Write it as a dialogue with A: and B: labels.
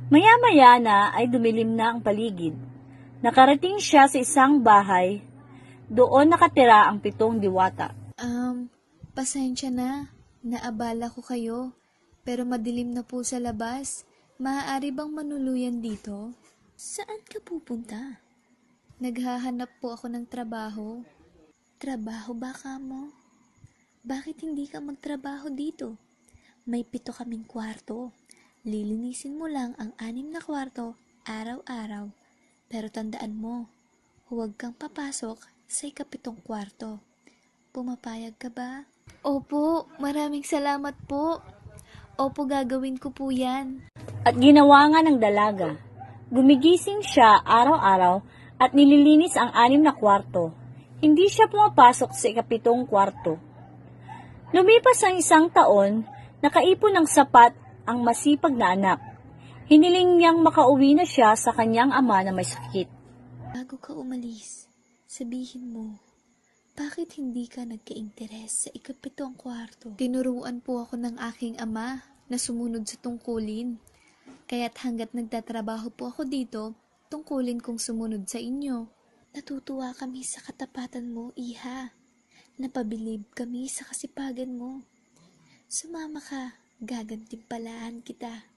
A: Maya-maya na ay dumilim na ang paligid. Nakarating siya sa isang bahay. Doon nakatira ang 7 diwata.
B: Pasensya na. Naabala ko kayo. Pero madilim na po sa labas. Maaari bang manuluyan dito? Saan ka pupunta? Naghahanap po ako ng trabaho. Trabaho ba ka mo? Bakit hindi ka magtrabaho dito? May 7 kaming kwarto. Lilinisin mo lang ang 6 na kwarto araw-araw. Pero tandaan mo, huwag kang papasok sa 7 kwarto. Pumapayag ka ba? Opo, maraming salamat po. Opo, gagawin ko po yan.
A: At ginawa nga ng dalaga. Gumigising siya araw-araw at nililinis ang 6 na kwarto. Hindi siya pumapasok sa 7 kwarto. Lumipas ang 1 taon, nakaipon ng sapat ang masipag na anak. Hiniling niyang makauwi na siya sa kanyang ama na may sakit.
B: Bago ka umalis, sabihin mo, bakit hindi ka nagka-interes sa 7 kwarto? Tinuruan po ako ng aking ama na sumunod sa tungkulin. Kaya't hanggat nagtatrabaho po ako dito, tungkulin kong sumunod sa inyo. Natutuwa kami sa katapatan mo, iha. Napabilib kami sa kasipagan mo. Sumama ka, gagantimpalaan kita.